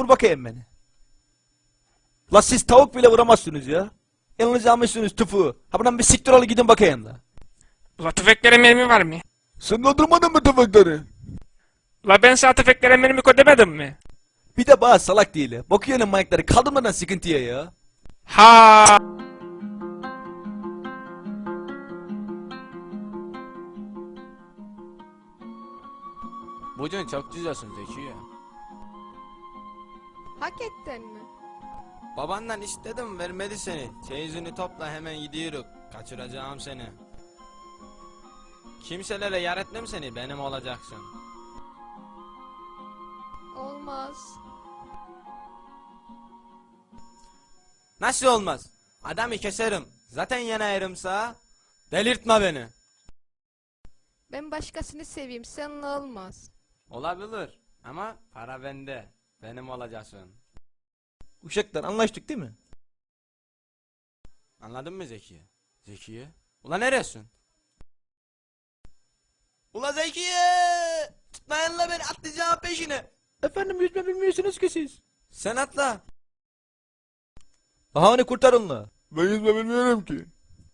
vur bakayım beni. La siz tavuk bile vuramazsınız ya. Elinize almışsınız tüfü. Ha buradan bir siktir ol gidin bakayım la. La tüfeklere mermi var mı? Sen kaldırmadın mı tüfekleri? La ben sana tüfeklere mermi koy demedim mi? Bir de bana salak değil. Bakıyorum manyakları kaldırmadan sıkıntıya ya. Ha. Bugün çok güzelsin Zekiye. Hakikaten mi? Babandan istedim vermedi seni. Çeyizini topla hemen gidiyoruz. Kaçıracağım seni. Kimselere yar etmem seni, benim olacaksın. Olmaz. Nasıl olmaz? Adamı keserim. Zaten yanayırımsa. Delirtme beni. Ben başkasını seveyim, seninle olmaz. Olabilir ama para bende. Benim olacaksın. Uşaklar anlaştık değil mi? Anladın mı Zekiye? Zekiye? Ula neresin? Ula Zekiye! Tutmayın la beni, atlayacağım peşine. Efendim yüzme bilmiyorsunuz ki siz. Sen atla. Aha onu kurtarın la. Ben yüzme bilmiyorum ki.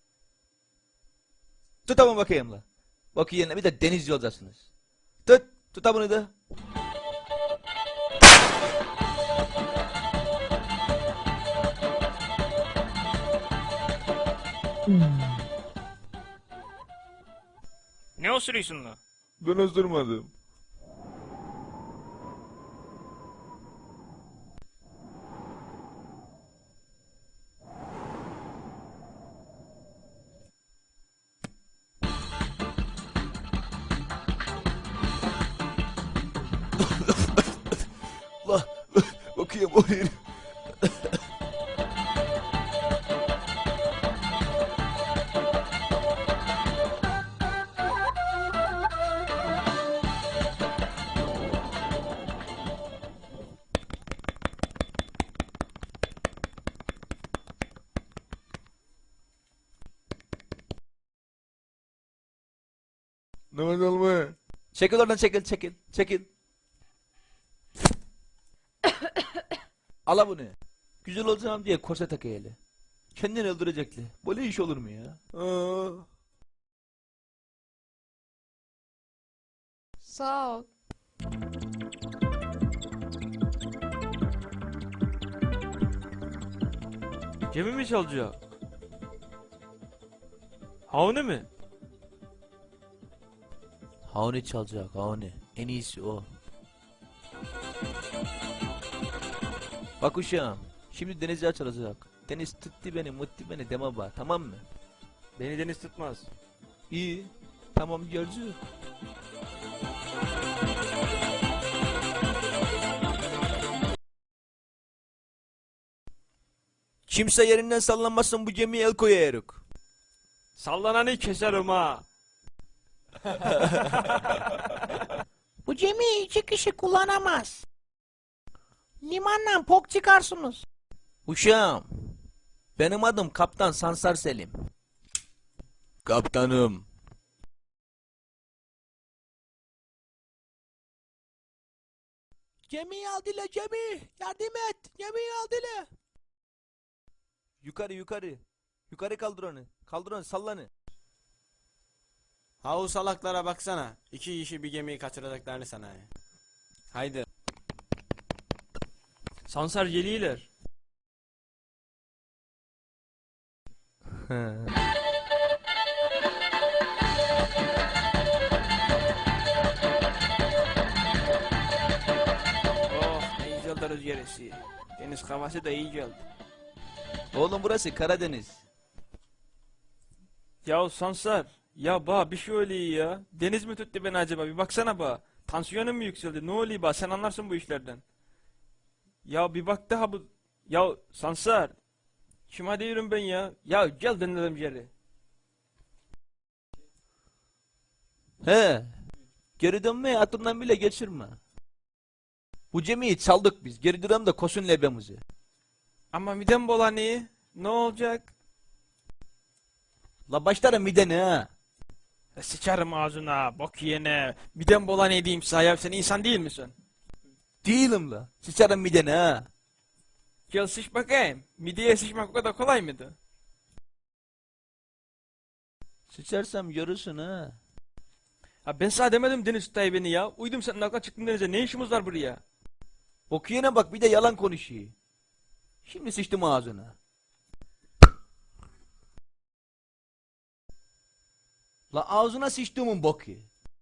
Tut ama bakayım la. Bakayım bir de denizci olacaksınız. Tut bunu da. Ne osuruyorsun la? Ben ısırmadım. La bakayım o herif. Nefes alma. Çekil oradan çekil. Ala bunu. Güzel olacağım diye korse takayeli. Kendini öldürecekli. Böyle iş olur mu ya? Aa. Sağ ol. Gemi mi çalacak? Havne mi? Havni çalacak Havni. En iyisi o. Bak uşağım. Şimdi denizci açılacak. Deniz tuttu beni mutti beni deme bak tamam mı? Beni deniz tutmaz. İyi. Tamam göreceğiz. Kimse yerinden sallanmasın bu gemiye el koyarız. Sallananı keserim ha. Bu gemiyi 2 kişi kullanamaz. Limandan pok çıkarsınız. Uşağım. Benim adım Kaptan Sansar Selim. Kaptanım. Gemiyi al dile gemi. Yardım et. Gemiyi al dile. Yukarı. Yukarı kaldır onu. Kaldır onu sallanı. Ha o salaklara baksana. 2 kişi bir gemiyi kaçıracaklarını sana. Haydi. Sansar geliyorlar. Oh ne güzel de rüzgar esiyor. Deniz havası da iyi geldi. Oğlum burası Karadeniz. Ya Sansar. Ya bir şey oluyor ya. Deniz mi tuttu beni acaba? Bir baksana Tansiyonum mu yükseldi? Ne oluyor Sen anlarsın bu işlerden. Ya bir bak daha bu. Ya Sansar. Kime diyorum ben ya? Ya gel denelim yeri. He. Geri dönmeye aklından bile geçirme. Bu gemiyi çaldık biz. Geri dönelim de kosun lebemizi. Ama midem bulanıyor. Ne olacak? La başlarım mideni ha. Sıçarım ağzına, bok yene. Midem bulanıyor diyeyim sana ya. Sen insan değil misin? Değilim la. Sıçarım midene ha. Gel sıç bakayım. Mideye sıçmak o kadar kolay mıydı? Sıçarsam görürsün ha. Ha ben sana demedim Deniz tutay beni ya. Uydum senin aklına çıktın denize. Ne işimiz var buraya? Okuyana bak bir de yalan konuşuyor. Şimdi sıçtım ağzına. La ağzına sıçtığımın boku.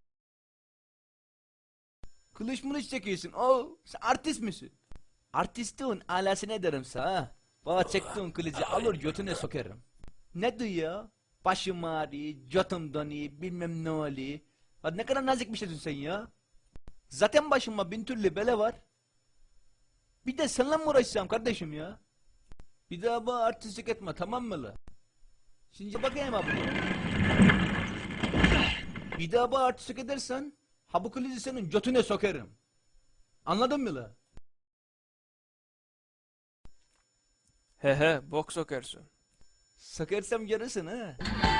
Kılıç mılıç çekiyorsun. Sen artist misin? Artistliğin alasını ederim sana. Bana çektiğin kılıcı alır götüne sokarım. Ne diyor? Başım ağrıyor, götüm donuyor, bilmem ne oluyor. Ha, ne kadar nazik bir şeysin sen ya. Zaten başıma bin türlü bela var. Bir de seninle mi uğraşacağım kardeşim ya? Bir daha bana artistlik etme, tamam mı la? Şimdi bakayım abi. Bir daha bana artistlik edersen ha bu kılıcı senin götüne sokarım. Anladın mı la? He he bok sokarsın. Sokarsam görürsün ha.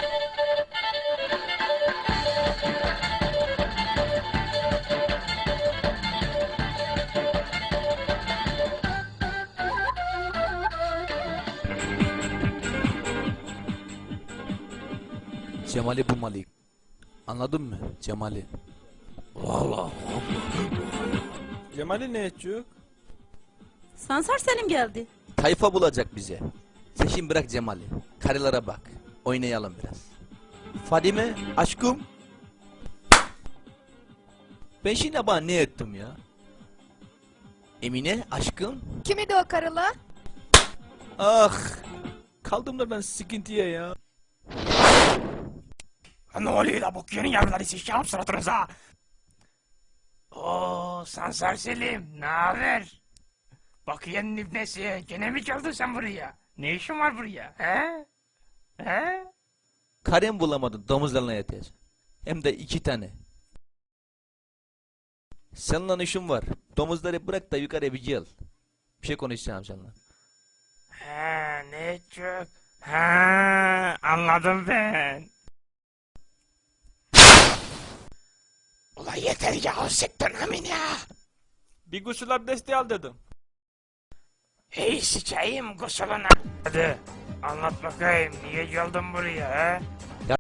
Cemal'i bulmalıyım. Anladın mı? Cemal'i. Cemal'i ne edecek? Sansar Selim geldi. Tayfa bulacak bize. Sen şimdi bırak Cemal'i. Karılara bak. Oynayalım biraz. Fadime, aşkım. Ben şimdi bana ne ettim ya? Emine, aşkım. Kimidi o karıla? Ah! Kaldım da ben sıkıntıya ya. Ne oluyor da bu yeni yavruları sıçacağım suratınıza. Oo Sansar Selim ne haber? Bakiye'nin ibnesi gene mi geldin sen buraya? Ne işin var buraya he? He? Karem bulamadım domuzlarla yatacağız. Hem de 2 tane. Seninle işim var. Domuzları bırak da yukarı bir gel. Bir şey konuşacağım seninle. He ne çok? Ha anladım ben. Ulan yeter ya siktir amin ya. Bir gusül abdesti al dedim. Hey sıçayım kusuluna. Hadi anlat bakayım niye geldin buraya he?